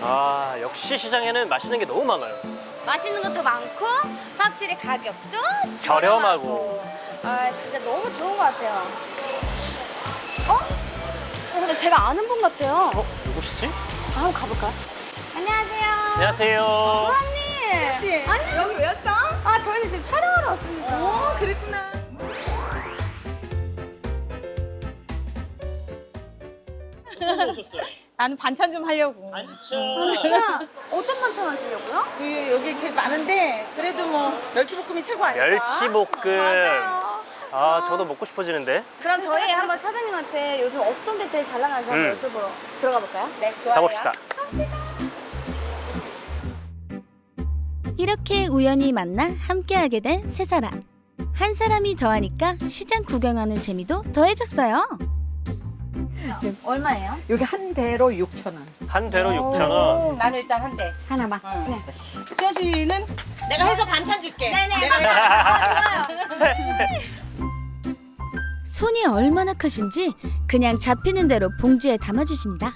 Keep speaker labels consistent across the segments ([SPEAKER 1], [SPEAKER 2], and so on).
[SPEAKER 1] 아, 역시 시장에는 맛있는 게 너무 많아요.
[SPEAKER 2] 맛있는 것도 많고 확실히 가격도
[SPEAKER 1] 저렴하고.
[SPEAKER 2] 아 진짜 너무 좋은 것 같아요. 근데 제가 아는 분 같아요.
[SPEAKER 1] 누구시지?
[SPEAKER 2] 한번 가볼까요? 안녕하세요.
[SPEAKER 1] 안녕하세요.
[SPEAKER 2] 언니.
[SPEAKER 3] 씨,
[SPEAKER 2] 아니
[SPEAKER 3] 여기 왜 왔어?
[SPEAKER 2] 아 저희는 지금 촬영하러 왔습니다.
[SPEAKER 3] 오, 그랬구나.
[SPEAKER 1] 오셨어요?
[SPEAKER 3] 나는 반찬 좀 하려고.
[SPEAKER 1] 반찬.
[SPEAKER 2] 진짜 어떤 반찬 하시려고요?
[SPEAKER 3] 여기 이렇게 많은데 그래도 뭐 멸치볶음이 최고 아닐까?
[SPEAKER 1] 멸치볶음.
[SPEAKER 2] 맞아요.
[SPEAKER 1] 아, 저도 먹고 싶어지는데.
[SPEAKER 2] 그럼 저희 한번 사장님한테 요즘 어떤 게 제일 잘 나가는지 한번 여쭤보러 들어가 볼까요?
[SPEAKER 3] 네, 좋아요.
[SPEAKER 1] 가봅시다.
[SPEAKER 4] 이렇게 우연히 만나 함께하게 된 세 사람. 한 사람이 더하니까 시장 구경하는 재미도 더해졌어요.
[SPEAKER 2] 얼마예요?
[SPEAKER 5] 여기 한 대로 6,000원.
[SPEAKER 1] 한 대로 6,000원.
[SPEAKER 3] 나는 일단 한 대.
[SPEAKER 5] 하나만.
[SPEAKER 3] 수현 씨는 내가 해서 반찬 줄게.
[SPEAKER 2] 네네.
[SPEAKER 3] 내가 해서
[SPEAKER 2] 아, 좋아요.
[SPEAKER 4] 손이 얼마나 크신지 그냥 잡히는 대로 봉지에 담아주십니다.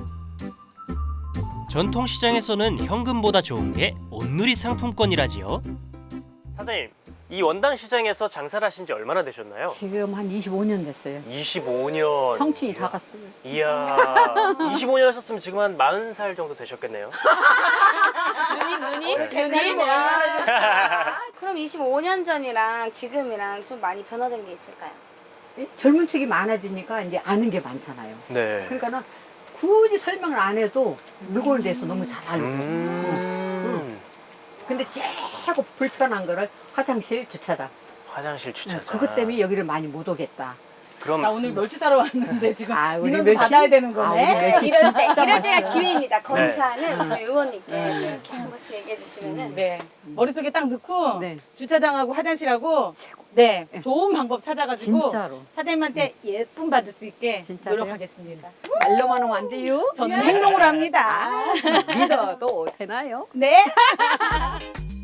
[SPEAKER 6] 전통시장에서는 현금보다 좋은 게 온누리 상품권이라지요.
[SPEAKER 1] 사장님, 이 원당 시장에서 장사를 하신 지 얼마나 되셨나요?
[SPEAKER 5] 지금 한 25년 됐어요.
[SPEAKER 1] 25년.
[SPEAKER 5] 청춘이 다 갔어요.
[SPEAKER 1] 이야, 25년 하셨으면 지금 한 40살 정도 되셨겠네요.
[SPEAKER 3] 눈이
[SPEAKER 1] 네.
[SPEAKER 2] 그럼 25년 전이랑 지금이랑 좀 많이 변화된 게 있을까요?
[SPEAKER 5] 젊은 층이 많아지니까 이제 아는 게 많잖아요.
[SPEAKER 1] 네.
[SPEAKER 5] 그러니까는 굳이 설명을 안 해도 물건에 대해서 너무 잘 알고. 근데 최고 불편한 거를 화장실 주차장.
[SPEAKER 1] 화장실 주차장.
[SPEAKER 5] 그것 때문에 여기를 많이 못 오겠다.
[SPEAKER 1] 그럼
[SPEAKER 3] 나 오늘 멸치 사러 왔는데 지금
[SPEAKER 5] 우리
[SPEAKER 3] 민원도
[SPEAKER 5] 멸치?
[SPEAKER 3] 받아야 되는
[SPEAKER 5] 우리
[SPEAKER 3] 거네.
[SPEAKER 5] 멸치
[SPEAKER 2] 이럴
[SPEAKER 5] 진짜
[SPEAKER 2] 때가
[SPEAKER 5] 맛있어요.
[SPEAKER 2] 기회입니다. 검사는 저희 의원님께 이렇게 한 번씩 얘기해 주시면은
[SPEAKER 3] 네. 머릿속에 딱 넣고
[SPEAKER 5] 네.
[SPEAKER 3] 주차장하고 화장실하고 네.
[SPEAKER 5] 네.
[SPEAKER 3] 좋은 방법 찾아가지고
[SPEAKER 5] 진짜로.
[SPEAKER 3] 사장님한테 예쁨 받을 수 있게
[SPEAKER 5] 진짜로요?
[SPEAKER 3] 노력하겠습니다.
[SPEAKER 5] 말로만 하면 안 돼요?
[SPEAKER 3] 저는 행동을 합니다.
[SPEAKER 5] 믿어도 되나요?
[SPEAKER 3] 네.